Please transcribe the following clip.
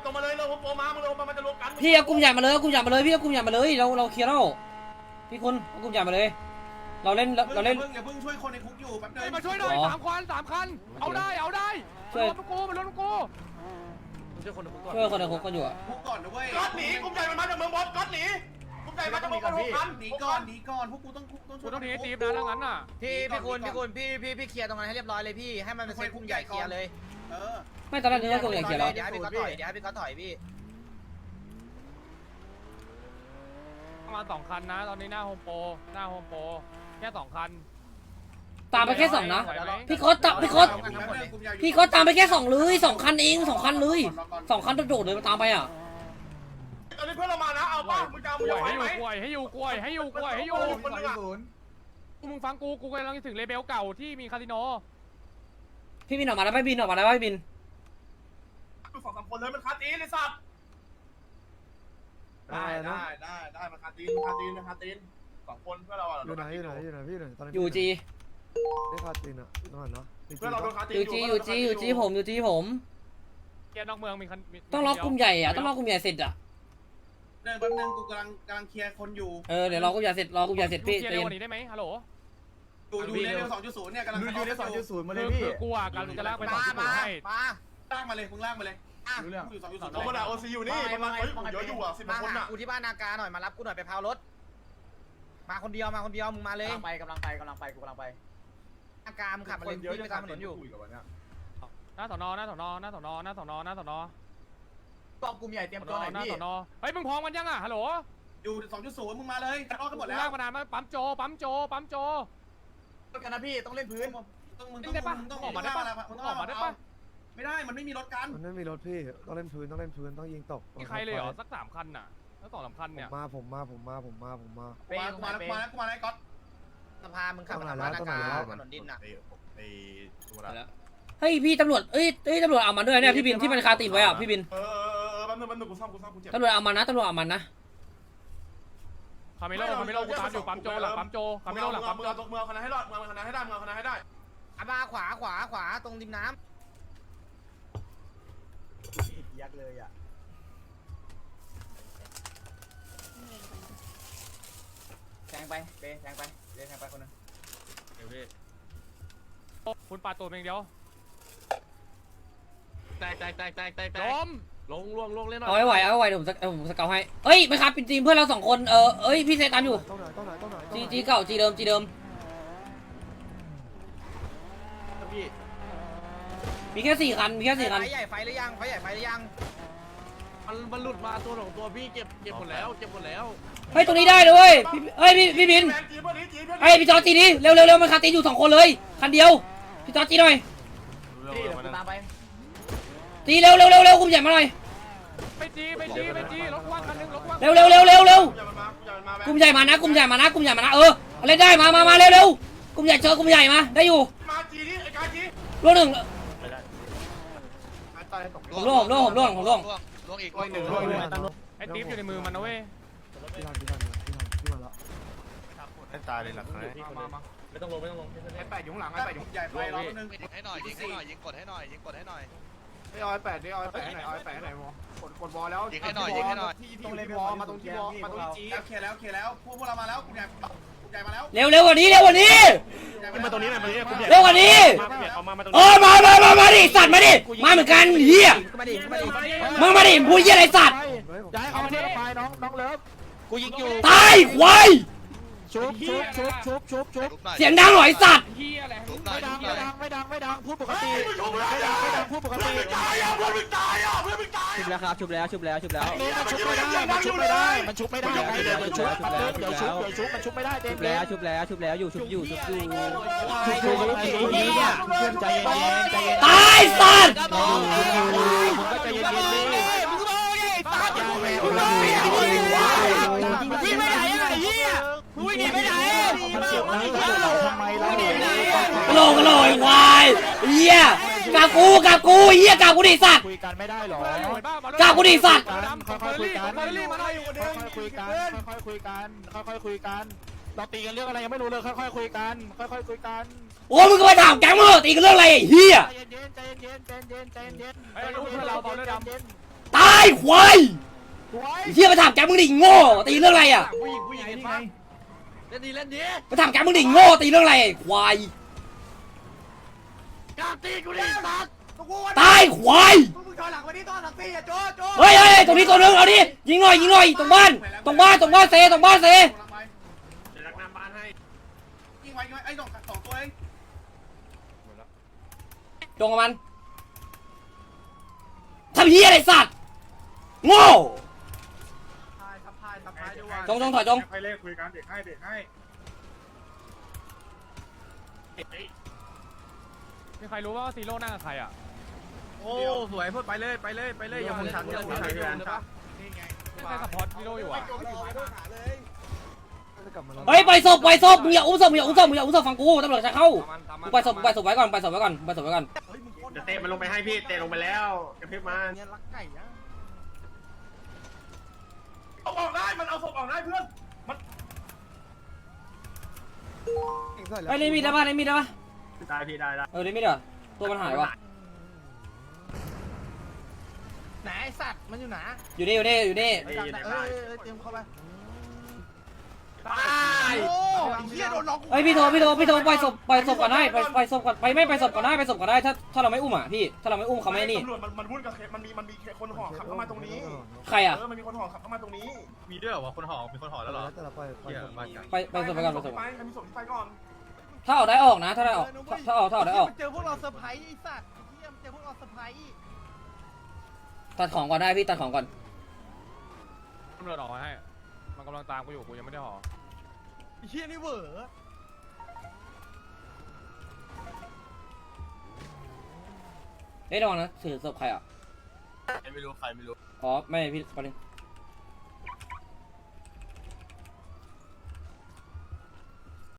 ตรงมาเลยเราโปรมามึงเรามันจะรวมกันพี่เอากลุ่มใหญ่มาเลยกลุ่มใหญ่มาเลยพี่เอากลุ่มใหญ่มาเลยเราเคลียร์แล้วพี่คุณเอากลุ่มใหญ่มาเลยเราเล่นอย่าเพิ่งช่วยคนในคุกอยู่แป๊บนึงมาช่วยหน่อย3 คันเอาได้ช่วยกูมันรถกูช่วยคนในคุกก่อนช่วยคนในคุกกันอยู่คุกก่อนนะเว้ยก๊อตหนีกลุ่มใหญ่มันมาจากเมืองบอสก๊อตหนีกลุ่มใหญ่มาจากเมืองบอสหนีก่อนพวกกูต้องทีตีบนะแล้วงั้นน่ะพี่คุณพี่เคลียร์ตรงนั้นให้เรียบร้อยเลยพี่ให้มันเป็นเซตกลุ่มใหญ่เคลียร์เลยไม่ตอนแรกนึกว่ากลุ่มใหญ่เคลียร์แล้วเดี๋ยวให้พี่ก๊อตถอยพี่มา2 คันนะตอนนี้หน้าโฮมโปรแค่2 คันตามไปแค่2นะพี่โค้ดตามไปแค่2เลย2 คันเอง2 คันเลย2 คันโดดเลยมาตามไปอ่ะตอนนี้เพื่อนเรามานะเอาป้ามึงจะไหวไหมให้อยู่มึงฟังกูกำลังถึงเลเบลเก่าที่มีคาสิโนพี่บินออกมาแล้วพี่บิน 2-3 คนเลยมันคาตีนเลยสัตว์ได้มันคาตีน2 คนเพื่อเราอยู่ไหนพี่หน่อยตอนนี้อยู่จีได้คาตีนอ่ะนั่นเนาะเพื่อเราโดนคาตีนอยู่จีผมแกนอกเมืองมีต้องล็อกกลุ่มใหญ่อ่ะต้องล็อกกลุ่มใหญ่เสร็จอ่ะแป๊บนึงกูกำลังเคลียร์คนอยู่เดี๋ยวรอกลุ่มใหญ่เสร็จพี่เคลียร์เร็วกว่านี้ได้ไหมฮัลโหลอยู่ในเรื่อง 2.0 เนี่ยกำลังดูใน 2.0 มาเลยพี่กูอ่ะกำลังจะลากไป 2.0 ให้ลากมาเลยมึงลากมาเลยอยู่ 2.0 เรามาโอซีอยู่นี่มันเยอะอยู่อ่ะ10 คนอ่ะกูที่บ้านนากาหน่อยมารับกูหน่อยไปพาวรถมาคนเดียวมึงมาเลยกำลังไปกูกำลังไปนากามึงขับมาเลยไปตามถนนอยู่หน้าสอนอกองกลุ่มใหญ่เตรียมตัวหน่อยพี่เฮ้ยมึงพร้อมกันยังอ่ะฮัลโหลอยู่ 2.0 มึงมาเลยออกกันหมดแล้วลากมานานไหมปั๊มโจกันนะพี่ต้องเล่นพื้นต้องออกมาได้ปะไม่ได้มันไม่มีรถกันมันไม่มีรถพี่ต้องเล่นพื้นต้องยิงตกมีใครเลยเหรอสัก3 คันน่ะแล้ว2-3 คันเนี่ยผมมากูมาก๊อตสะพานมึงขับมาบ้านนากาถนนดินน่ะเฮ้ยพี่ตำรวจตำรวจเอามันด้วยเนี่ยพี่บินที่มันคาติดไว้อ่ะพี่บินแป๊บนึงกูซ่อมกูเจ็บตำรวจเอามันนะคาเมโลกูตามอยู่ปั๊มโจหลังปั๊มโจคาเมโลหลังปั๊มโจเมืองคณะให้รอดเมืองคณะให้ได้มาขวาตรงริมน้ำยักเลยอ่ะแทงไปคนนึงเดี๋ยวพี่คุณปาตัวเองเดียวแตกล้มลงเล่นหน่อยเอาไว้เดี๋ยวผมสเกลให้เอ้ยไม่ครับจริงเพื่อนเรา2 คนพี่เซตันอยู่จีเก่าจีเดิมมีแค่4 คันไฟใหญ่ไฟหรือยังมันหลุดมาตัวพี่เก็บหมดแล้วเฮ้ยตรงนี้ได้เลยเฮ้ยพี่บินเฮ้ยพี่จอจีนี่เร็วมันคาติอยู่2 คนเลยคันเดียวพี่จอจีหน่อยตามไปจีเร็วกลุ่มใหญ่มาหน่อยไปจีรถว่างคันนึงเร็วกลุ่มใหญ่มานะอะไรได้มาเร็วกลุ่มใหญ่เจอกลุ่มใหญ่มาได้อยู่มาจีนี่ไอ้กาจีร่วง 1ผมร่วงอีกไอ้ติ๊บอยู่ในมือมันนะเว้ยพี่มาแล้วให้ตายเลยหลักเลยมาไม่ต้องลงไอ้8อยู่ข้างหลังไอ้8อยู่ใหญ่ไปรอนึงให้หน่อยยิงกดให้หน่อยไอ้ไอ้8ดิไอ้8ให้หน่อยไอ้8ให้หน่อยมอกดบอลแล้วยิงให้หน่อยที่วอมาตรงที่วอมาตรงจีเคลียร์แล้วพวกเรามาแล้วกูใหญ่มาแล้วเร็วกว่านี้มาตรงนี้หน่อยเร็วกว่านี้มาดิสัตว์มาดิมาเหมือนกันเฮียมาดิพูดเฮียอะไรสัตว์ย้ายเอามาไปน้องเลิฟกูยิงอยู่ตายควายชุบเสียงดังหน่อยสัตว์ไม่ดังพูดปกติพูดปกติเพื่อนตายอ่ะชุบแล้วครับชุบแล้วมันชุบไม่ได้มันชุบไม่ได้มันชุบไม่ได้ชุบแล้วอยู่เพื่อนใจเย็นตายสัตว์ใจเย็นยิงไม่ได้ไอ้เหี้ยมึงหนีไปไหนมันเสียบนะทำไมล่ะกระโหลกควายเหี้ยกากูเหี้ยกากูดิสัตว์คุยกันไม่ได้หรอกากูดิสัตว์ค่อยคุยกันเราตีกันเรื่องอะไรยังไม่รู้เลยค่อยคุยกันโอ้มึงก็ไปถามแก๊งมึงตีกันเรื่องอะไรเหี้ยใจเย็นให้ลูกเราบอลด้วยดำตาายควายเฮียมาถามแกมึงดิโง่ตีเรื่องอะไรอ่ะผู้หญิงนี่ไงเล่นดีเล่นดีมาถามแกมึงดิโง่ตีเรื่องอะไรควายกล้าตีกูดิสัตว์ตายควายมึงถอยหลังมาดิต้อนหลังตีอ่ะโจโจเฮ้ยตรงนี้ตัวนึงเอาดิยิงหน่อยตรงบ้านเซตรงบ้านเซจะรักน้ำบ้านให้ยิงไว้ไอ้สองตัวเองจงกับมันทำเฮียอะไรสัตว์โง่ทับพายด้วยจงถอยจงไปเล่คุยกันเด็กให้มีใครรู้ว่าซีโร่นั่งกับใครอ่ะโอ้สวยพูดไปเลยอย่าหมุนฉันอย่าหมุนฉันไม่ใช่สปอร์ตซีโร่อยู่อ่ะเฮ้ยไปศพมึงอย่าอุ้มศพฟังกูตำรวจจะเข้ากูไปศพไว้ก่อนจะเตะมันลงไปให้พี่เตะลงไปแล้วกระพริบมาเนี่ยรักไก่นะเอาออกได้มันเอาศพออกได้เพื่อนไอ้เล่นมีดได้ปะได้พี่ได้เล่นมีดเหรอตัวมันหายวะไหนไอ้สัตว์มันอยู่ไหนอยู่นี่เตรียมเข้าไปตายโอ้ยเฮียโดนล็อกเฮ้ยพี่โทรไปศพก่อนได้ไปศพก่อนไม่ไปศพก่อนได้ถ้าเราไม่อุ้มอ่ะพี่ถ้าเราไม่อุ้มเขาไม่นี่ตำรวจมันวุ่นกับมันมีคนห่อขับเข้ามาตรงนี้ใครอ่ะมันมีคนห่อขับเข้ามาตรงนี้มีด้วยเหรอวะคนห่อมีคนห่อแล้วเหรอไปศพไปก่อนมีศพที่ไปก่อนถ้าออกได้ออกนะถ้าออกได้ออกเจอพวกเราเซอร์ไพรส์ไอ้สัตว์เยี่ยมเจอพวกเราเซอร์ไพรส์ตัดของก่อนได้พี่ตัดของก่อนตำรวจออกมาให้มันกำลังตามกูอยู่กูยังไม่ได้ห่อไอ้เฮียนี่เหวอเฮ้ยระวังนะถือศพใครอ่ะไม่รู้ใครไม่รู้อ๋อไม่พี่ประเด็น